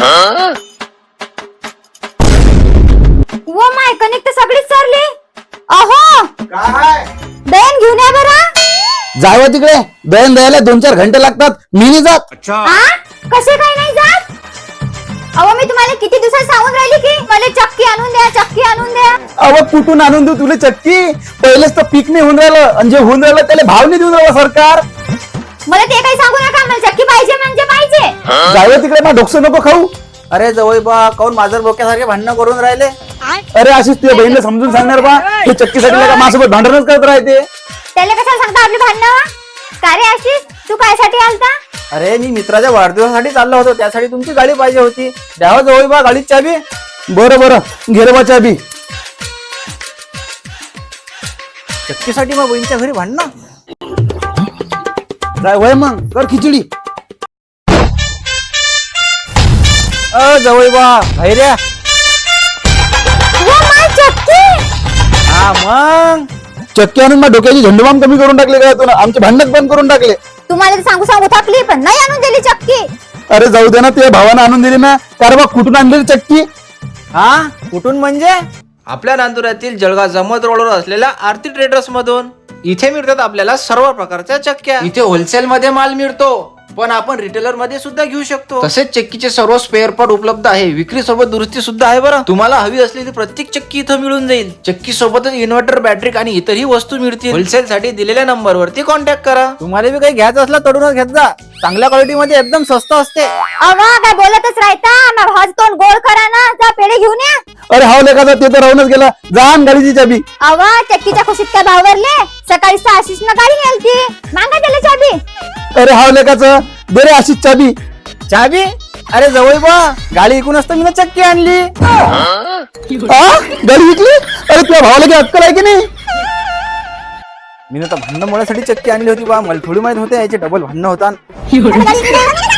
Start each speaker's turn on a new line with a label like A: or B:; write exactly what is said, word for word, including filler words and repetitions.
A: वो माय कनेक्ट सगळीच सरली. अहो
B: काय
A: दयन घेऊन या बरं.
C: जावं तिकडे, दळण द्यायला दोन चार घंटे लागतात. मी नाही जात.
A: हा कसे काय नाही जात? अहो मी तुम्हाला किती दिवसात सांगून राहिली की मला चक्की आणून द्या, चक्की आणून द्या.
C: अव कुठून आणून देऊ तुला चक्की? पहिलेच तर पीक नाही होऊन राहिलं, आणि जे होऊन राहिलं त्याला भाव नाही देऊन राहिला सरकार.
A: मला ते काही सांगू नका, मला चक्की पाहिजे म्हणजे पाहिजे.
C: जावं तिकडे, मग डोकसं नको खाऊ.
B: अरे जवळ बा काऊन माझर बोक्यासारखे भांडणं करून राहिले.
C: अरे अशीच तुझ्या बहिणीला समजून सांगणार बा, हे चक्कीसाठी का माझ्यासोबत भांडणच करत राहते.
A: त्याला कशाला सांगता आपली भांडणं? का रे आशिष, तू कायसाठी आलता?
B: अरे मी मित्राच्या वाढदिवसासाठी चाललो होतो, त्यासाठी तुमची गाडी पाहिजे होती. द्यावं जवळ बा गाडीची चाबी.
C: बरं बरं घे रे बा चाबी.
B: चक्कीसाठी मग बहिणीच्या घरी भांडणं.
C: जाय वय मग कर खिचडी.
B: अ जवळ बा भैऱ्या.
A: वो माय चक्की.
B: हा मग
C: चक्की आणून मग डोक्याची झंडूबाम कमी करून टाकले का तुला? आमचे भांडणच बंद करून टाकले.
A: तुम्हाला तर सांगू सांगू थकली, पण नाही आणून दिली चक्की.
C: अरे जाऊ दे ना, तुझ्या भावानं आणून दिली ना. कारण बा कुठून आणलेली चक्की?
B: हा कुठून म्हणजे? आपल्या नांदुरातील जळगाव जमत रोडवर असलेल्या आरती ट्रेडर्स मधून. इथे मिळतात आपल्याला सर्व प्रकारच्या चक्क्या. इथे होलसेल मध्ये माल मिळतो, पण आपण रिटेलर मध्ये सुद्धा घेऊ शकतो. तसेच चक्कीचे सर्व स्पेअर पार्ट उपलब्ध आहे. विक्री सोबत दुरुस्ती सुद्धा आहे बरं. तुम्हाला हवी असलेली प्रत्येक चक्की इथं मिळून जाईल. चक्की सोबतच इन्व्हर्टर, बॅटरी आणि इतरही वस्तू मिळतील. होलसेल साठी दिलेल्या नंबर वरती कॉन्टॅक्ट करा. तुम्हाला बी काही घ्यायचं असला तडूनच घेत जा. चांगल्या क्वालिटी मध्ये एकदम स्वस्त असते.
A: अवा काय बोलतच राहता, मग भाज तोंड गोळ करा ना, जा पेढे घेऊन या.
C: अरे हाव लेखाचा ते तर राहूनच गेला. जा आण गाडीची चाबी.
A: अवा चक्कीच्या खुशीत काय भाव भरले? सकाळी आशिष न गाडी नेलती, मागा त्याला चाबी.
C: अरे हाव लेखाचं दे रे अशीच चाबी.
B: चाबी? अरे जवळ बा गाडी ऐकून असतं मी ना चक्की आणली.
C: आ? गाडी विकली? अरे तुझ्या भावाला काही अक्कल आहे की नाही?
B: मी ना तर भांडण मुळासाठी चक्की आणली होती बा. मला थोडी माहित होते याचे डबल भांडणं होता.
A: गाडी